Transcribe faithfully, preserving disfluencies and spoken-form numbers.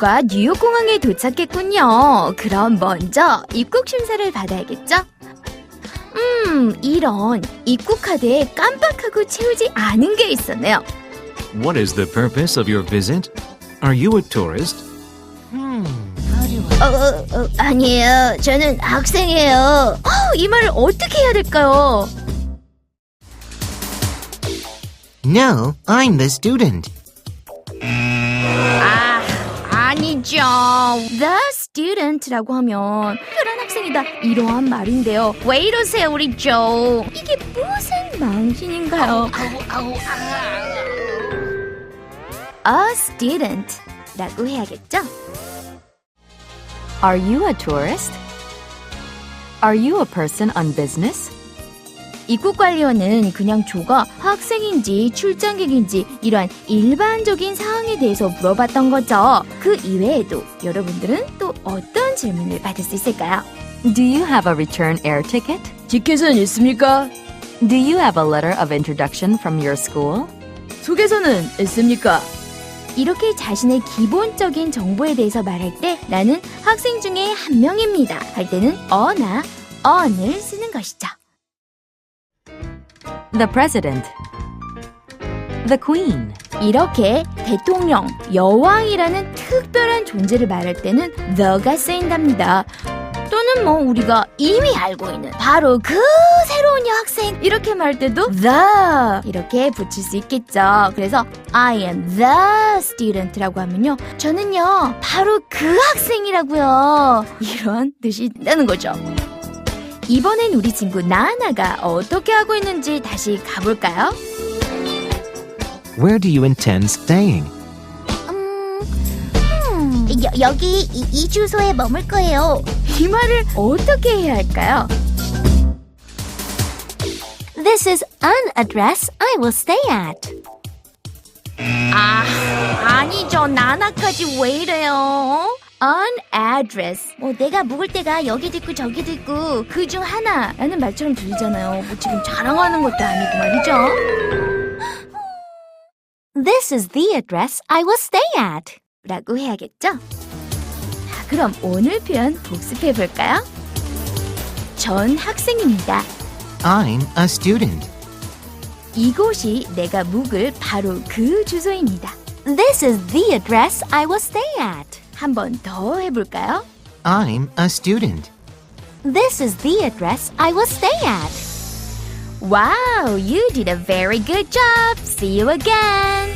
모두가 뉴욕 공항에 도착했군요. 그럼 먼저 입국 심사를 받아야겠죠? 음, 이런 입국 카드에 깜빡하고 채우지 않은 게 있었네요. What is the purpose of your visit? Are you a tourist? 어, 어, 어, 아니에요. 저는 학생이에요. 어, 이 말을 어떻게 해야 될까요? No, I'm the student. 아, 아니죠. The student라고 하면 특별한 학생이다 이러한 말인데요. 왜 이러세요 우리 조? 이게 무슨 망신인가요? A student라고 해야겠죠? Are you a tourist? Are you a person on business? 입국관리원은 그냥 조가 학생인지 출장객인지 이러한 일반적인 사항에 대해서 물어봤던 거죠. 그 이외에도 여러분들은 또 어떤 질문을 받을 수 있을까요? Do you have a return air ticket? 티켓은 있습니까? Do you have a letter of introduction from your school? 소개서는 있습니까? 이렇게 자신의 기본적인 정보에 대해서 말할 때 나는 학생 중에 한 명입니다 할 때는 어나 on을 쓰는 것이죠. The president. The queen. 이렇게 대통령, 여왕이라는 특별한 존재를 말할 때는 the가 쓰인답니다. 또는 뭐 우리가 이미 알고 있는 바로 그 새로운 여학생 이렇게 말할 때도 the 이렇게 붙일 수 있겠죠. 그래서 I am the student라고 하면요. 저는요 바로 그 학생이라고요. 이런 뜻이 된다는 거죠. 이번엔 우리 친구 나나가 어떻게 하고 있는지 다시 가볼까요? Where do you intend staying? 음, 음, 여, 여기 이, 이 주소에 머물 거예요. 이 말을 어떻게 해야 할까요? This is an address I will stay at. 아, 아니죠. 나나까지 왜 이래요? An address. 뭐 내가 묵을 때가 여기도 있고 저기도 있고 그 중 하나라는 말처럼 들리잖아요. 뭐 지금 자랑하는 것도 아니고 말이죠. This is the address I will stay at. 라고 해야겠죠? 자, 그럼 오늘 표현 복습해 볼까요? 전 학생입니다. I'm a student. 이곳이 내가 묵을 바로 그 주소입니다. This is the address I will stay at. 한 번 더 해볼까요? I'm a student. This is the address I will stay at. Wow, you did a very good job. See you again.